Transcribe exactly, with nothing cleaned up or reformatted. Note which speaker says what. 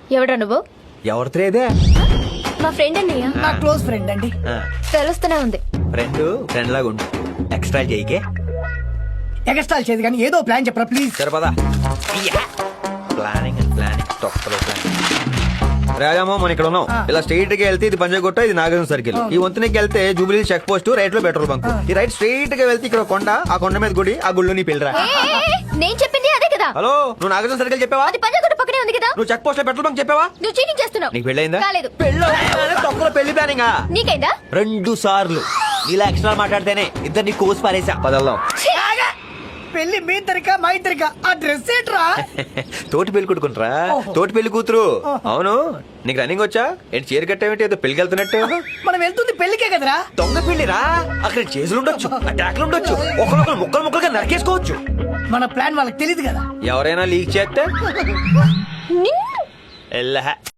Speaker 1: ఎవడా నువ్వు?
Speaker 2: ఎవరితేదే
Speaker 1: మా ఫ్రెండ్ అన్నయ్య.
Speaker 3: నా క్లోజ్ ఫ్రెండ్ అండి.
Speaker 1: తెలుస్తూనే ఉంది.
Speaker 2: ఫ్రెండ్ ఫ్రెండ్ లాగా ఉండు. ఎక్స్ట్రా చేయకే.
Speaker 3: ఎగస్ట్రాల్ చేయదు కానీ ఏదో ప్లాన్ చెప్పరా ప్లీజ్.
Speaker 2: సరిపదా ప్లానింగ్ అండ్ ప్లానింగ్ తొక్కలో ప్లానింగ్. రాజామో మనం ఇక్కడ ఉన్నాం. ఇలా స్ట్రైట్ గా వెళ్తే ఇది పంజాగుట్ట, ఇది నాగార్జున సర్కిల్. ఈ వంతునికి వెళ్తే జూబిలీ చెక్ పోస్ట్, రైట్ లో పెట్రోల్ బంక్. ఈ రైట్ స్ట్రైట్ గా వెళ్తే ఇక్కడ కొండ, ఆ కొండ మీద గుడి, ఆ గుళ్ళు నీ పెళ్ళరా.
Speaker 1: నేను చెప్పింది అదే కదా.
Speaker 2: హలో, నువ్వు నాగార్జున సర్కిల్ చెప్పావా?
Speaker 1: అది పంజాగుట్ట పక్కనే ఉంది కదా.
Speaker 2: నువ్వు చెక్ పోస్ట్ లో పెట్రోల్ బంక్ చెప్పావా?
Speaker 1: నువ్వు చీటింగ్ చేస్తున్నావు.
Speaker 2: నీకు పెళ్ళైందా?
Speaker 1: కాలేదు.
Speaker 2: పెళ్ళి తొక్కలో పెళ్లి ప్లానింగ్.
Speaker 1: నీకైందా?
Speaker 2: రెండు సార్లు ఇలా ఎక్స్ట్రా మాట్లాడితేనే ఇద్దరిని కోసి పారేసా. పదల్దాం.
Speaker 3: పెళ్లి మీ ఇద్దరికా మా ఇద్దరికా? ఆ డ్రెస్ ఏంట్రా?
Speaker 2: తోటి పెళ్లి కొట్టుకుంటారా? తోటి పెళ్లి కూతురు. అవును, నీకు రన్నింగ్ వచ్చా? ఏంటి చీర కట్టేమిటి? ఏదో పెళ్లికి వెళ్తున్నట్టు.
Speaker 3: మనం వెళ్తుంది పెళ్లికే కదరా.
Speaker 2: దొంగ పెళ్లిరా. అక్కడ చేతులు ఉండొచ్చు, అటాక్లు ఉండొచ్చు, ఒకరొకరు ముక్కలు ముక్కలుగా నరికేసుకోవచ్చు.
Speaker 3: మన ప్లాన్ వాళ్ళకి తెలియదు కదా.
Speaker 2: ఎవరైనా లీక్ చేస్తే
Speaker 1: నిన్ను
Speaker 2: ఎల్లహ.